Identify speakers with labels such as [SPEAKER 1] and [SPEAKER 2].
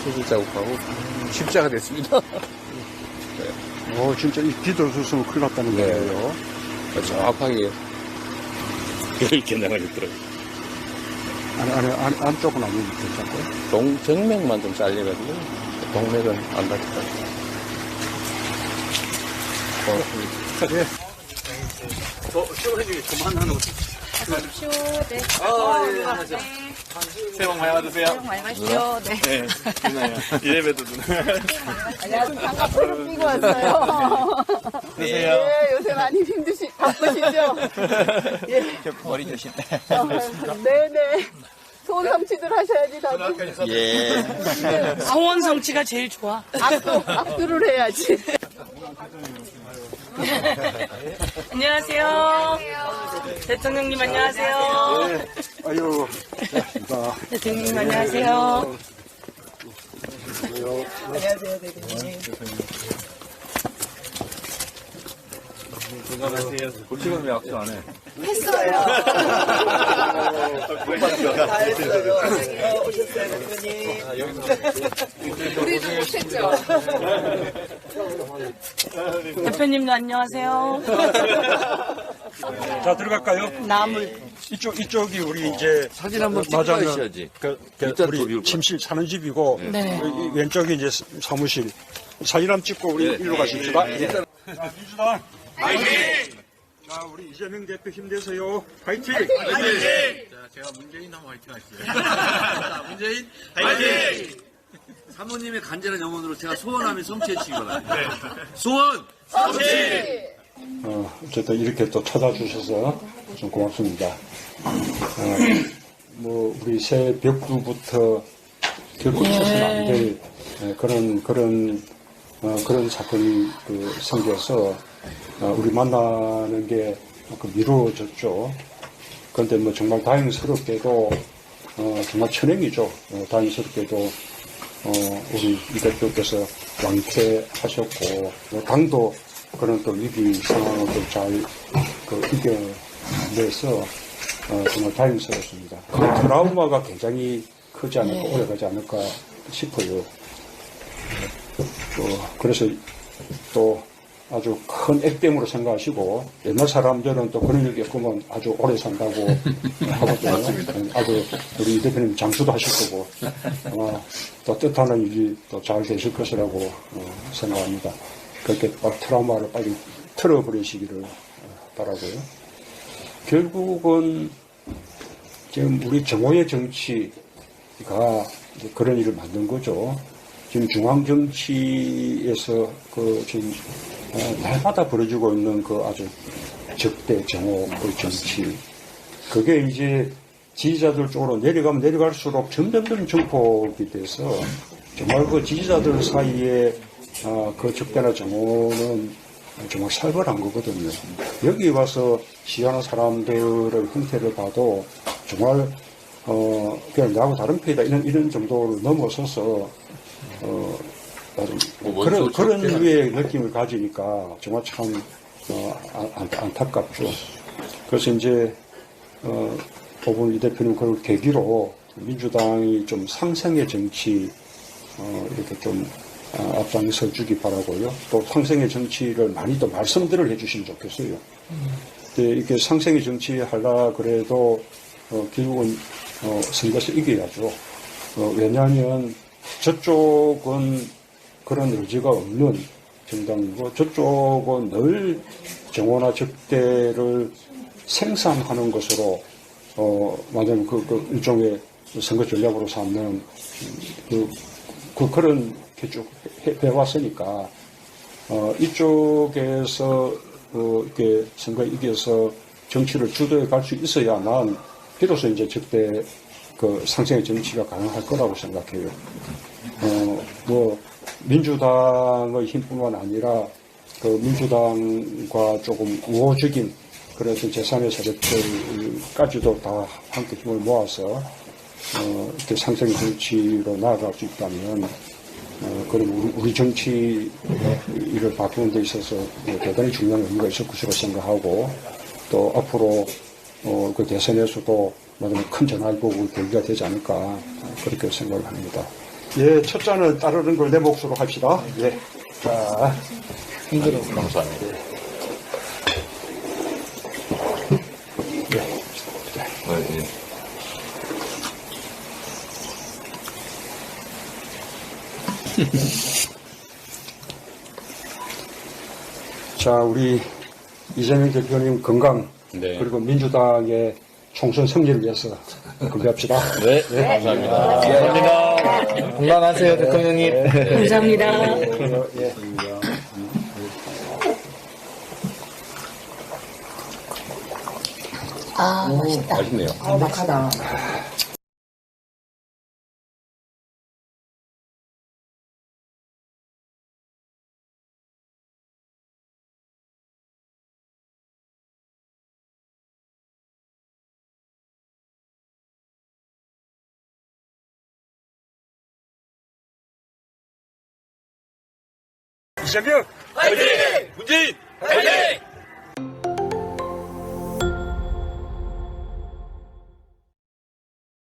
[SPEAKER 1] 수술 자국하고 십자가 됐습니다.
[SPEAKER 2] 진짜 이 뒤돌 수술은 큰일 났다는
[SPEAKER 1] 네.
[SPEAKER 2] 거예요.
[SPEAKER 1] 정확하게 이렇게 나가겠더라고요.
[SPEAKER 2] 안쪽은 아니면 괜찮고요.
[SPEAKER 1] 정맥만 좀 잘려가지고 동맥은 안 다쳤다.
[SPEAKER 2] 예.
[SPEAKER 3] 쇼해주기 그만하는 거.
[SPEAKER 4] 하십시오. 네.
[SPEAKER 3] 예, 하죠. 새해 복 많이 받으세요.
[SPEAKER 4] 새해 복 많이 받으십시오. 네.
[SPEAKER 3] 네, 누나요. 이래봬도 누나.
[SPEAKER 4] 안녕하세요. 장갑을 끼고 왔어요.
[SPEAKER 3] 안녕하세요.
[SPEAKER 4] 예, 요새 많이 바쁘시죠? 예.
[SPEAKER 3] 머리 조심.
[SPEAKER 4] 네네. 소원 성취들 하셔야지, 다들.
[SPEAKER 3] 예.
[SPEAKER 5] 소원 성취가 제일 좋아.
[SPEAKER 4] 악수를 해야지.
[SPEAKER 5] 안녕하세요. 대통령님 안녕하세요.
[SPEAKER 2] 아유, 고맙습니다.
[SPEAKER 5] 대통령님 안녕하세요.
[SPEAKER 3] 건강하세요. 골치가 왜 악수 안 해?
[SPEAKER 4] 다 했어요. 오셨어요, 대표님. 우리도 못했죠?
[SPEAKER 5] 대표님도 안녕하세요.
[SPEAKER 2] 자, 들어갈까요?
[SPEAKER 5] 나물.
[SPEAKER 2] 이쪽이 우리 이제
[SPEAKER 1] 사진 한번 찍고
[SPEAKER 2] 맞아요.
[SPEAKER 1] 가셔야지.
[SPEAKER 2] 우리
[SPEAKER 1] 비우고.
[SPEAKER 2] 침실 사는 집이고
[SPEAKER 5] 네.
[SPEAKER 2] 이 왼쪽이 이제 사무실. 사진 한번 찍고 우리 일로 가십시다. 자, 민주당 파이팅! 자, 우리 이재명 대표 힘내세요. 파이팅!
[SPEAKER 3] 자, 제가 문재인 한번 화이팅 하시죠. 자, 문재인 화이팅! 사모님의 간절한 영혼으로 제가 소원하면 성취해 주시기 바랍니다. 소원! 성취!
[SPEAKER 2] 어쨌든 이렇게 또 찾아주셔서 좀 고맙습니다. 우리 새 벽두부터 결코 있어서는 안 될 그런 사건이 생겨서 우리 만나는 게 미뤄졌죠. 그런데 정말 다행스럽게도 정말 천행이죠. 다행스럽게도 우리 이 대표께서 완쾌하셨고 당도 그런 또 위기 상황을 또 잘 이겨내서 정말 다행스럽습니다. 그 트라우마가 굉장히 크지 않을까, 오래가지 않을까 싶어요. 그래서 또 아주 큰 액땜으로 생각하시고 옛날 사람들은 또 그런 일 겪으면 아주 오래 산다고 하거든요. 아주 우리 이 대표님 장수도 하실 거고 아마 또 뜻하는 일이 또 잘 되실 것이라고 생각합니다. 그렇게 막 트라우마를 빨리 틀어버리시기를 바라고요. 결국은 지금 우리 정오의 정치가 이제 그런 일을 만든 거죠. 지금 중앙 정치에서 지금 날마다 벌어지고 있는 아주 적대 정오의 정치. 그게 이제 지지자들 쪽으로 내려가면 내려갈수록 점점 증폭이 돼서 정말 지지자들 사이에 그 적대나 정오는 정말 살벌한 거거든요. 여기 와서 시위하는 사람들의 형태를 봐도 정말 그냥 나하고 다른 편이다 이런 정도를 넘어서서 그런 류의 느낌을 가지니까 정말 참 안타깝죠. 그래서 이제 법원 이 대표님 그걸 계기로 민주당이 좀 상생의 정치 이렇게 좀 앞장서 주기 바라고요. 또 상생의 정치를 많이 더 말씀들을 해주시면 좋겠어요. 이렇게 상생의 정치 하려 그래도 결국은 선거에서 이겨야죠. 왜냐하면 저쪽은 그런 의지가 없는 정당이고 저쪽은 늘 정오나 적대를 생산하는 것으로 완전 일종의 선거 전략으로 삼는 그런 게 쭉 해왔으니까 이쪽에서 이렇게 선거에 이겨서 정치를 주도해 갈 수 있어야만 비로소 이제 적대 상생의 정치가 가능할 거라고 생각해요. 민주당의 힘뿐만 아니라 민주당과 조금 우호적인 그런 제3의 세력들까지도 다 함께 힘을 모아서 이렇게 상생의 정치로 나아갈 수 있다면 그럼 우리 정치 일을 바꾸는 데 있어서 대단히 중요한 의미가 있을 것이라고 생각하고 또 앞으로 그 대선에서도 큰 전환복을 계기가 되지 않을까 그렇게 생각을 합니다. 예, 첫 잔을 따르는 걸 내 몫으로 합시다. 예. 자,
[SPEAKER 1] 감사합니다. 예.
[SPEAKER 2] 자, 우리 이재명 대표님 건강,
[SPEAKER 1] 네.
[SPEAKER 2] 그리고 민주당의 총선 승리를 위해서 건배합시다.
[SPEAKER 1] 네, 감사합니다.
[SPEAKER 6] 건강하세요, 대통령님.
[SPEAKER 5] 감사합니다.
[SPEAKER 2] 예.
[SPEAKER 1] 맛있네요.
[SPEAKER 2] 이재명!
[SPEAKER 3] 문재인